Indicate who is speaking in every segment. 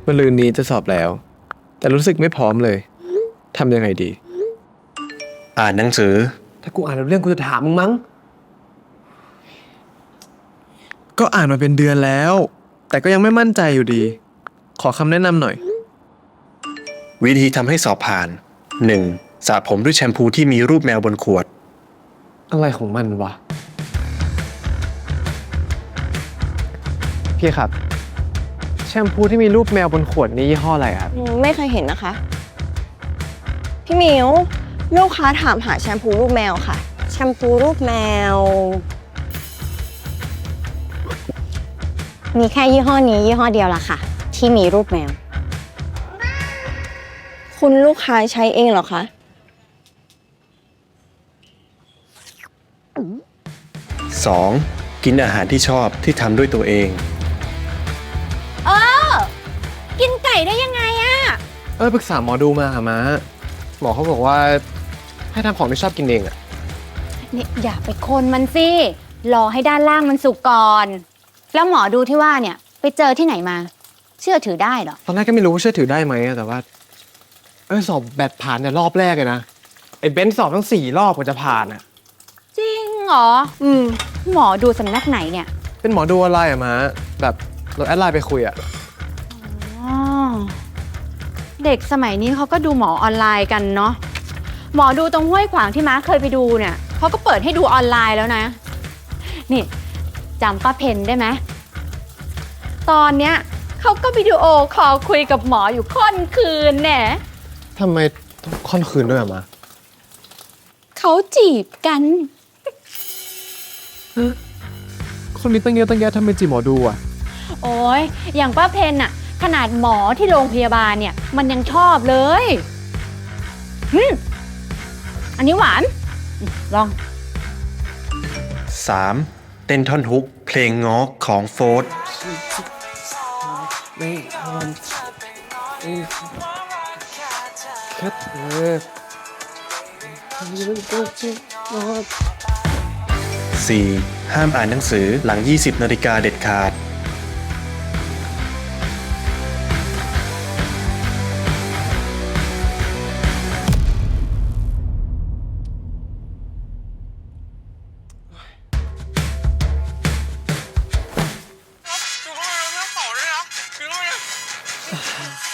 Speaker 1: มะรืนนี้จะสอบแล้ว แต่รู้สึกไม่พร้อมเลยทำยังไงดี
Speaker 2: อ่านหนังสือ
Speaker 3: ถ้ากูอ่านเรื่องกูจะถามมึงมั้ง
Speaker 1: ก็อ่านมาเป็นเดือนแล้ว แต่ก็ยังไม่มั่นใจอยู่ดี ขอคำแนะนำหน่อย
Speaker 2: วิธีทำให้สอบผ่าน 1. สระผมด้วยแชมพูที่มีรูปแมวบนขวด
Speaker 3: อะไรของมันวะพี่ครับแชมพูที่มีรูปแมวบนขวดนี่ยี่ห้ออะไรครับ
Speaker 4: ไม่เคยเห็นนะคะ พี่หมิวลูกค้าถามหาแชมพูรูปแมวค่ะ
Speaker 5: แชมพูรูปแมว มีแค่ยี่ห้อนี้ยี่ห้อเดียวล่ะค่ะ ที่มีรูปแมว
Speaker 4: คุณลูกค้าใช้เองเหรอคะ
Speaker 2: 2. กินอาหารที่ชอบที่ทำด้วยตัวเอง
Speaker 5: กินไก่ได้ยังไงอะ
Speaker 3: ปรึกษาหมอดูมาค่ะม้าหมอเขาบอกว่าให้ทำของที่ชอบกินเองอะ
Speaker 5: เนี่ยอย่าไปคนมันสิ รอให้ด้านล่างมันสุกก่อน แล้วหมอดูที่ว่าเนี่ยไปเจอที่ไหนมา เชื่อถือได้เหรอ
Speaker 3: ตอนแรกก็ไม่รู้ว่าเชื่อถือได้ไหมอะแต่ว่าสอบแบดผ่านเนี่ยรอบแรกเลยนะไอ้เบนซ์สอบทั้ง4 รอบกว่าจะผ่านอะ
Speaker 5: จริงเหรอ หมอดูสำนักไหนเนี่ย
Speaker 3: เป็นหมอดูอะไรอะม้าแบบเราแอดไลน์ไปคุยอะ
Speaker 5: อ๋อ เด็กสมัยนี้เขาก็ดูหมอออนไลน์กันเนาะ หมอดูตรงห้วยขวางที่ม้าเคยไปดูเนี่ยเขาก็เปิดให้ดูออนไลน์แล้วนะ นี่จำป้าเพนได้ไหม ตอนเนี้ยเขาก็วิดีโอคอลคุยกับหมออยู่ค่อนคืนแน่
Speaker 3: ทำไมต้องค่อนคืนด้วยอะม้า
Speaker 5: เขาจีบกัน
Speaker 3: คนนี้ตั้งเยอะตั้งแยะทำไมจีบหมอดูอะ
Speaker 5: โอ้ยอย่างป้าเพนอะขนาดหมอที่โรงพยาบาลเนี่ยมันยังชอบเลยอันนี้หวานลอง
Speaker 2: 3. เต้นท่อนฮุกเพลงง้อของโฟร์ธ
Speaker 3: ไม่แค่เธอ
Speaker 2: 4. ห้ามอ่านหนังสือหลัง 20 นาฬิกาเด็ดขาด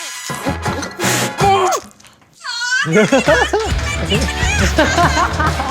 Speaker 3: Ha ha ha!